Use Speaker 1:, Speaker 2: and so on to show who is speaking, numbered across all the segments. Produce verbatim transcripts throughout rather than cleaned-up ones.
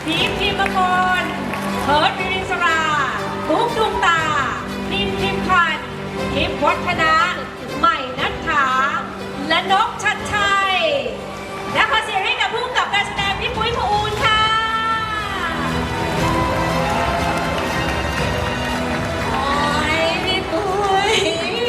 Speaker 1: พีคพิมพลเพิร์ดวิริศราบุ๊กดวงตาพิมพิมพันธ์ทิพย์วัฒนะใหม่นัทธาและนกชัดชัยและขอเสียงให้กับผู้กำกับการแสดงพี่ปุ้ยพอูลค่ะโอ้ยพี่ปุ้ย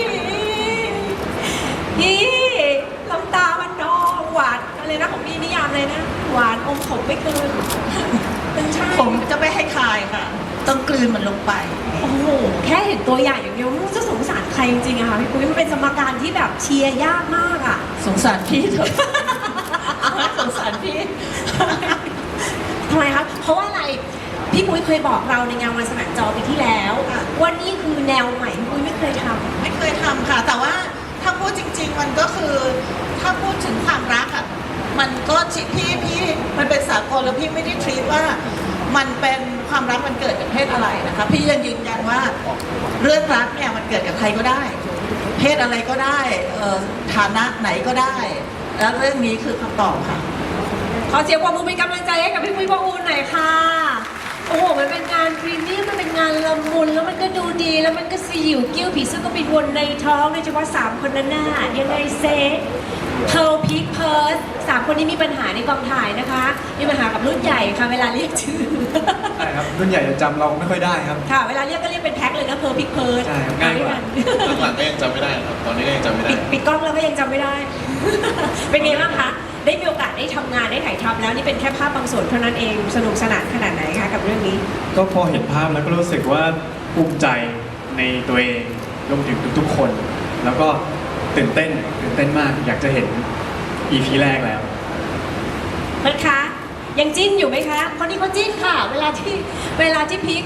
Speaker 1: พี่ลำตามันนองหวานอะไรนะของพี่นิยามเลยนะหวานอมขมไม่เกินเป็นใช่
Speaker 2: ผมจะไม่ให้คายค่ะ ต้องกลืนมันลงไป
Speaker 1: โอ้โหแค่เห็นตัวอย่างอย่างเดียวไม่รู้จะสงสารใครจริงๆอะค่ะพี่ปุ้ยมันเป็นสมการที่แบบเชียร์ยากมากอะ
Speaker 2: สงสารพี่เถอะ สงสารพี่
Speaker 1: ทำไมคะเพราะว่าอะไรพี่ปุ้ยเคยบอกเราในงานวันสนามจอปีที่แล้วว่านี่คือแนวใหม่พี่ปุ้ยไม่เคยทำ
Speaker 2: ไม่เคยทำค่ะ แต่ว่าถ้าพูดจริง ๆ มันก็คือถ้าพูดถึงความรักอ่ะมันก็พี่พี่มันเป็นสากลแล้วพี่ไม่ได้ทรีตว่ามันเป็นความรักมันเกิดจากเพศอะไรนะคะพี่ยังยืนยันว่าเรื่องรักเนี่ยมันเกิดกับใครก็ได้ เพศอะไรก็ได้เอ่อฐานะไหนก็ได้ แล้วเรื่องนี้คือคำตอบค่ะ
Speaker 1: ขอเสียงปรบมือเป็นกำลังใจให้กับพี่ปุ้ยพอูลหน่อยค่ะโอ้โหมันเป็นงานพรีเมียมมันเป็นงานละมุนแล้วมันก็ดูดีแล้วมันก็สยิวกิ้วผีเสื้อก็บินวนในท้องโดยเฉพาะสามคนนั้นน่ะยังไงเซเพร์ลพิกเพิร์สสามคนนี้มีปัญหาในกองถ่ายนะคะมีปัญหากับรุ่นใหญ่ค่ะเวลาเรียกชื่อ
Speaker 3: ใช่ครับรุ่นใหญ่จะจำเราไม่ค่อยได้ครับ
Speaker 1: ค่ะเวลาเรียกก็เรียกเป็นแพ็คเลยนะเพร์ลพิกเพิร์ส
Speaker 3: ใช่ครับง่ายกว่า
Speaker 4: หลังๆก็ยังจำไม่ได้ครับ ตอนนี้ก็ยังจำไม่ได้
Speaker 1: ปิดปิดกล้องแล้วก็ยังจำไม่ได้ เป็นไงบ้างคะได้มีโอกาสได้ทำงานได้ถ่ายทำแล้วนี่เป็นแค่ภาพบางส่วนเท่านั้นเองสนุกสนานขนาดไหนคะกับเรื่องนี้
Speaker 3: ก็พอเห็นภาพแล้วก็รู้สึกว่าภูมิใจในตัวเองรวมถึงทุกๆคน แล้วก็ตื่นเต้นตื่นเต้นมากอยากจะเห็น อี พี แรกแล้ว
Speaker 1: เพิร์ทคะยังจิ้นอยู่ไหมคะคนนี้เขาจิ้นค่ะ เวลาที่เวลาที่พีคน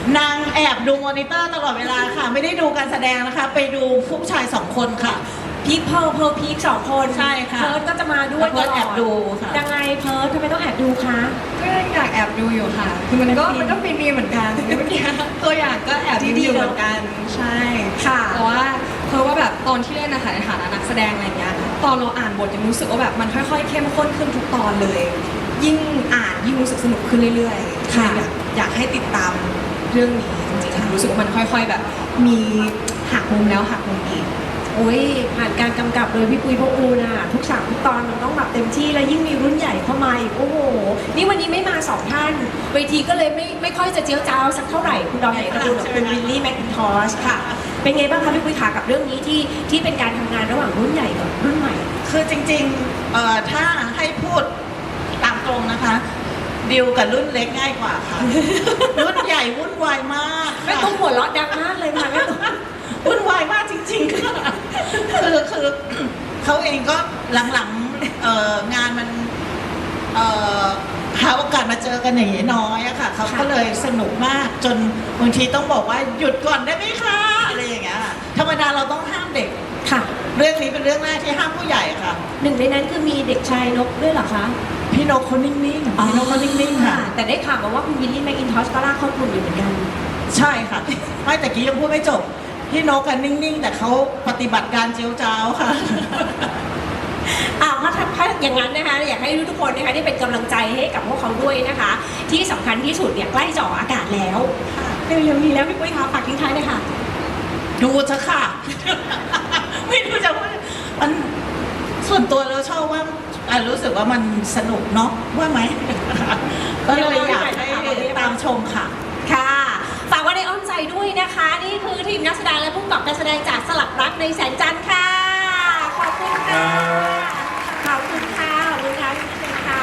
Speaker 2: างแอบดูมอนิเตอร์ตลอดเวลาค่ะ ไม่ได้ดูการแสดงนะคะ ไปดูผู้ชายสองคนค่ะ
Speaker 1: พีคเพิร์ลเพิร์ลพีคสองคน
Speaker 2: ใช่ค่ะ
Speaker 1: เพิร์ทก็จะมาด้วย
Speaker 2: เพิร์ท
Speaker 1: ตล
Speaker 2: แอบดูค่ะ
Speaker 1: ยังไงเพิร์ททำไมต้องแอบดูคะ
Speaker 5: ก็อยากแอบดูอยู่ค่ะ คือมันก็มันก็มีมีเหมือนกันเมื่อกี้ตัวอย่างก็แอบดูอยู่เหมือนกัน ใช่
Speaker 1: ค่ะ
Speaker 5: แต่ว่าเพราะว่าแบบตอนที่เล่นนะคะในฐานะนักแสดงอะไรเงี้ย ตอนเราอ่านบทยังรู้สึกว่าแบบมันค่อยๆเข้มข้นขึ้นทุกตอนเลย ยิ่งอ่านยิ่งรู้สึกสนุกขึ้นเรื่อยๆ
Speaker 1: ค่ะ
Speaker 5: อยากอยากให้ติดตามเรื่องนี้จริงๆค่ะรู้สึกว่ามันค่อย ๆแบบ มีหักมุมแล้วหักมุมอีก
Speaker 1: โอ้ยผ่านการกำกับโดยพี่ปุ้ยพอูลน่ะทุกฉากทุกตอนมันต้องแบบเต็มที่แล้วยิ่งมีรุ่นใหญ่เข้ามาอีกโอ้โหนี่วันนี้ไม่มาสองท่านเวทีก็เลยไม่ไม่ค่อยจะเจียวจ้าวสักเท่าไหร่คุณดอมเอกรุณกับคุณวิลลี่แมคคินทอชค่ะ เป็นไงบ้างคะพี่ปุ้ยขากับเรื่องนี้ที่ที่เป็นการทำงานระหว่างรุ่นใหญ่กับรุ่นใหม่
Speaker 2: คือจริงๆเอ่อถ้าให้พูดตามตรงนะคะดิวกับรุ่นเล็กง่ายกว่าค่ะ รุ่นใหญ่วุ่นวายมาก
Speaker 1: ไม่
Speaker 2: ค่ะ
Speaker 1: ต้องหัวเราะดังมากเลยค่ะไม่ต้อง
Speaker 2: วุ่นวายมากจริงๆค่ะคือคือเขาเองก็หลังๆเอ่องานมันเอ่อหาโอกาสมาเจอกันอย่างนี้น้อยอะค่ะเขาก็เลยสนุกมากจนบางทีต้องบอกว่าหยุดก่อนได้ไหมคะอะไรอย่างเงี้ยค่ะธรรมดาเราต้องห้ามเด็ก
Speaker 1: ค่ะ
Speaker 2: เรื่องนี้เป็นเรื่องแรกที่ห้ามผู้ใหญ่ค่ะ
Speaker 1: หนึ่งในนั้นคือมีเด็กชายนกด้วยเหรอคะ
Speaker 2: พี่นกเขานิ่งๆพี่นกเขานิ่งๆค่ะ
Speaker 1: แต่ได้ข่าวมาว่าคุณวิลลี่แมคอินทอชก็ลากเข้ากลุ่มอยู่เหมือนกัน
Speaker 2: ใช่ค่ะ ไม่แต่กี้ยังพูดไม่จบ พี่นกกันนิ่งๆ แต่เขาปฏิบัติการเจียวจ้าวค่ะ
Speaker 1: อ้าวถ้าถ้าอย่างนั้นนะคะอยากให้ทุกคนนะคะได้เป็นกำลังใจให้กับพวกเขาด้วยนะคะ ที่สำคัญที่สุดเนี่ยใกล้จะออกอากาศแล้วเร็วๆนี้แล้วพี่ปุ้ยคะฝากทิ้งท้ายเลยค่ะ
Speaker 2: ดูเถอะค่ะ ไม่รู้จะว่ามันส่วนตัวเราชอบว่าอ่ะรู้สึกว่ามันสนุกเนาะว่าไหม ก็เลยอยากให้ตามชมค่ะ
Speaker 1: ค่ะฝากไว้ในอ้อมใจด้วยนะคะ นี่คือทีมนักแสดงและผู้กำกับการแสดงจากสลักรักในแสงจันทร์ค่ะ ขอบคุณค่ะ ขอบคุณค่ะ ขอบคุณค่ะพี่เป็นค่ะ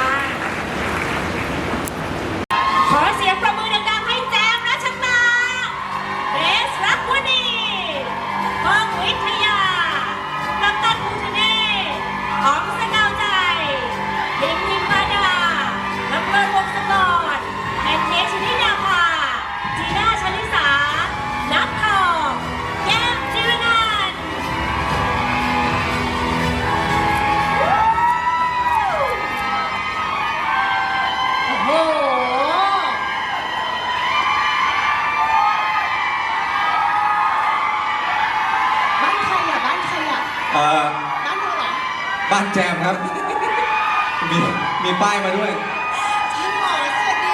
Speaker 1: ขอเสียงประมือดังๆให้แจมรัชตาเบสรักวณีเพิ่มวิทยากัปตันภูทะเนศอ๋องสกาวใจพิมพิมมาดาน้ำเลิศวงศกรแอนเทชนิดาภาจีน่าชลิสา นัททองแก้มจิรนันท์โอ้โห บ้านใครอ่ะ บ้านใครอ่ะ
Speaker 3: เอ่อ
Speaker 1: บ้านเธอเหรอ
Speaker 3: บ้านแจมครับ มีมีป้ายมาด้วย
Speaker 1: จริงเหรอสวัสดีเธอ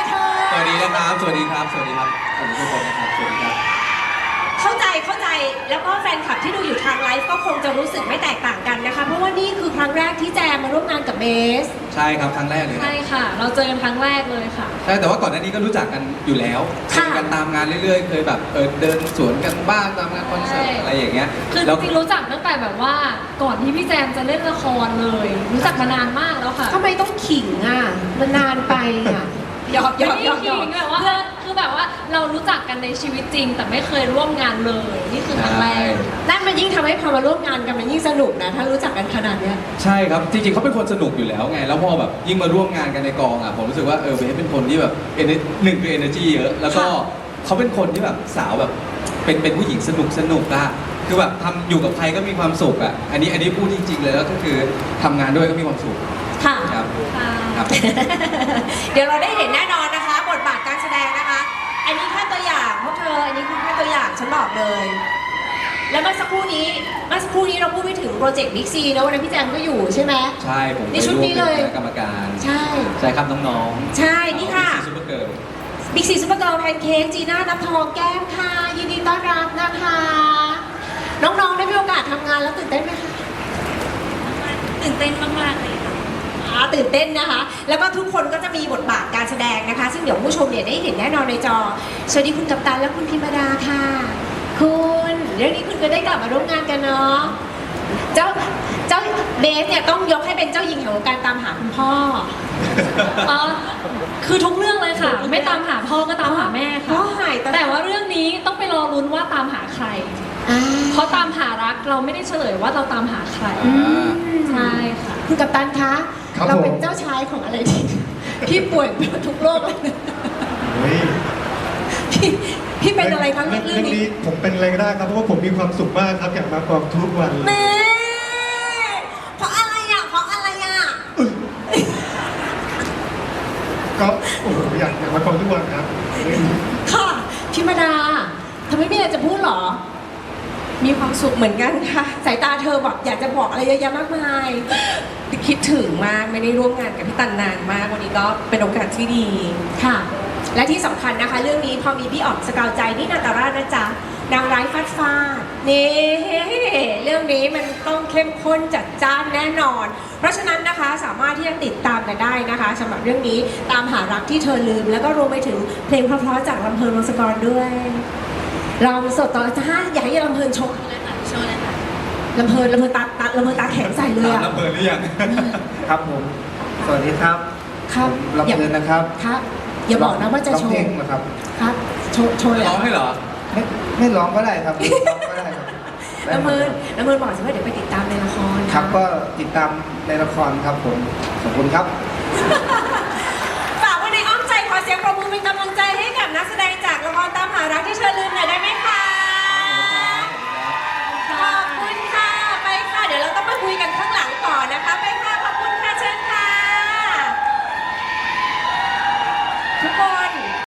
Speaker 6: สวัสดีนะครับ สวัสดีครับ สวัสดีครับสวัสดีทุกคนนะครับ สวัสดีครับ
Speaker 1: เข้าใจเข้าใจแล้วก็แฟนคลับที่ดูอยู่ทางไลฟ์ก็คงจะรู้สึกไม่แตกต่างกันนะคะ เพราะว่านี่คือครั้งแรกที่แจมมาร่วมงานกับเบส
Speaker 6: ใช่ครับ ครั้งแรกเลยครับ
Speaker 5: ใช่ค่ะ เราเจอกันครั้งแรกเลยค่ะ
Speaker 6: ใช่ แต่ว่าก่อนหน้านี้ก็รู้จักกันอยู่แล้วเจ
Speaker 1: ค่ะ
Speaker 6: อกันตามงานเรื่อยๆ เคยแบบเออเดินสวนกันบ้างตามงานคอนเสิร์ต
Speaker 5: ใช่
Speaker 6: อะไรอย่างเงี้ย
Speaker 5: คือจ
Speaker 6: แล้ว
Speaker 5: ริงๆรู้จักตั้งแต่แบบว่าก่อนที่พี่แจมจะเล่นละครเลย รู้จักมานานมากแล้วค่ะ
Speaker 1: ทำไมต้องขิงอ่ะมันนานไปอ่ะหยอกหย
Speaker 5: ไม่
Speaker 1: อก
Speaker 5: ได้
Speaker 1: หยอกหย
Speaker 5: ขิ
Speaker 1: อก
Speaker 5: งแบบว่าคือแบบว่าเรารู้จักกันในชีวิตจริง แต่ไม่เคยร่วมงานเลย นี่คือครั้งแรก
Speaker 1: นั่นมันยิ่งทำให้พอมาร่วมงานกันมันยิ่งสนุกนะ ถ้ารู้จักกันขนาดเนี้ย
Speaker 6: ใช่ครับ จริงๆเขาเป็นคนสนุกอยู่แล้วไง แล้วพอแบบยิ่งมาร่วมงานกันในกองอ่ะ ผมรู้สึกว่าเออเบสเป็นคนที่แบบ ener- หนึ่งคือ energy เยอะ แล้วก็
Speaker 1: ค่ะ
Speaker 6: เขาเป็นคนที่แบบสาวแบบเป็นเป็นผู้หญิงสนุกสนุกอะคือแบบทำอยู่กับใครก็มีความสุขอะอันนี้อันนี้พูดจริงๆเลยแล้วก็คือทำงานด้วยก็มีความสุข
Speaker 1: ค่ะ
Speaker 6: ครับ
Speaker 5: ค่ะ
Speaker 6: ครับ
Speaker 1: เดี๋ยวเราได้เห็นแน่นอนนะคะ บทบาทการแสดงนะคะ อันนี้แค่ตัวอย่างพวกเธอ อันนี้คือแค่ตัวอย่างฉันบอกเลย แล้วเมื่อสักครู่นี้เมื่อสักครู่นี้เราพูดไปถึงโปรเจกต์บิ๊กซีนะวันนั้นพี่แจมก็อยู่ใช่ไหม
Speaker 6: ใช่ผม
Speaker 1: นี่ชุดนี้เลย
Speaker 6: ไปร่วมเป็นคณะกรรมการ
Speaker 1: ใช่
Speaker 6: ใช่ครับน้อง
Speaker 1: ใช่นี่ค่ะ
Speaker 6: ซูเปอร์เกิร์ล
Speaker 1: บิ๊กซีซุปเปอร์เกิร์ลแพนเค้กจีน่าน้ำทองแก้มค่ะ ยินดีต้อนรับนะคะ น้องๆได้มีโอกาสทำงานแล้วตื่นเต้นไหมคะ
Speaker 5: ตื่นเต้นมากๆเลยค่ะ
Speaker 1: อ่าตื่นเต้นนะคะ แล้วก็ทุกคนก็จะมีบทบาทการแสดงนะคะ ซึ่งเดี๋ยวผู้ชมเนี่ยได้เห็นแน่นอนในจอ สวัสดีคุณกัปตันและคุณพิมดาค่ะ คุณเรื่องนี้คุณก็ได้กลับมาร่วมงานกันเนาะ เจ้าเจ้าเบสเนี่ยต้องยกให้เป็นเจ้าหญิงแห่งวงการตามหาคุณพ่อ
Speaker 5: อ๋อ คือทุกเรื่องเลยค่ะ ไม่ตามหาพ่อก็ตามหาแม่
Speaker 1: พ่อ
Speaker 5: ค่ะ
Speaker 1: หายตอน
Speaker 5: แต่ว่าเรื่องนี้ต้องไปรอลุ้นว่าตามหาใคร
Speaker 1: อ่า
Speaker 5: เพราะตามหารักเราไม่ได้เฉลยว่าเราตามหาใคร
Speaker 6: อ่า
Speaker 5: ใช่ค่ะ
Speaker 1: คุณกัปตันคะ
Speaker 7: ครับ
Speaker 1: เราเป็น
Speaker 7: ผม
Speaker 1: เจ้าชายของอะไรที่พี่ป่วยทุกโรคเลยนะ
Speaker 7: เฮ้ย
Speaker 1: พี่พี่เป็นอะไรครับ
Speaker 7: เรื่อง
Speaker 1: เรื่
Speaker 7: เรื่
Speaker 1: อ
Speaker 7: อง ง
Speaker 1: นี้
Speaker 7: นี้ผมเป็นอะไรก็ได้ครับเพราะว่าผมมีความสุขมากครับอยากมากองทุกวันเลย
Speaker 1: แม่เพราะอะไรอ่ะ เพราะอะไรอ่ะ
Speaker 7: ก็โอ้โหอยากอยากมากองทุกวันครับ
Speaker 1: ค่ะพิมดาเธอไม่มีอะไรจะพูดเหรอ มีความสุขเหมือนกันค่ะ สายตาเธอแบบอยากจะบอกอะไรเยอะแยะมากมาย คิดถึงมากไม่ได้ร่วมงานกับพี่ตันนานมากวันนี้ก็เป็นโอกาสที่ดีค่ะ และที่สำคัญนะคะ เรื่องนี้พอมีพี่อ๋อมสกาวใจนี่นาตาราชนะจ๊ะนางร้ายฟาดฟาดนี่เรื่องนี้มันต้องเข้มข้นจัดจ้านแน่นอน เพราะฉะนั้นนะคะสามารถที่จะติดตามกันได้นะคะสำหรับเรื่องนี้ตามหารักที่เธอลืม แล้วก็รวมไปถึงเพลงเพราะๆจากลำเพลินวงศกรด้วยเราสดต่อจ้าอยากให้ลำเพลินโชว์เลยค่ะโชว์เลยค่ะลำเพลินลำเพลินตาตาลำเพลินตาแข็งใส่เลย
Speaker 6: ตาม
Speaker 1: อะ
Speaker 6: ระเบิดหรือยัง
Speaker 7: ครับผม สวัสดีครับ
Speaker 1: ครับ
Speaker 7: ผมลำเพลินนะครับ
Speaker 1: ครับ อย่าบอกนะว่าจะโช
Speaker 7: ร้องเพล
Speaker 1: ว์
Speaker 7: งนะครับ
Speaker 1: ครับโชว์โชว์เลย
Speaker 6: ร้องให้เหรอ
Speaker 7: ไม่ไม่ร้องก็ได้ครับร้องก็ได้ครับ
Speaker 1: ลำเพลินลำเพลินบอกสิว่าเดี๋ยวไปติดตามในละคร
Speaker 7: ครับก็ติดตามในละครครับผมขอบคุณครับ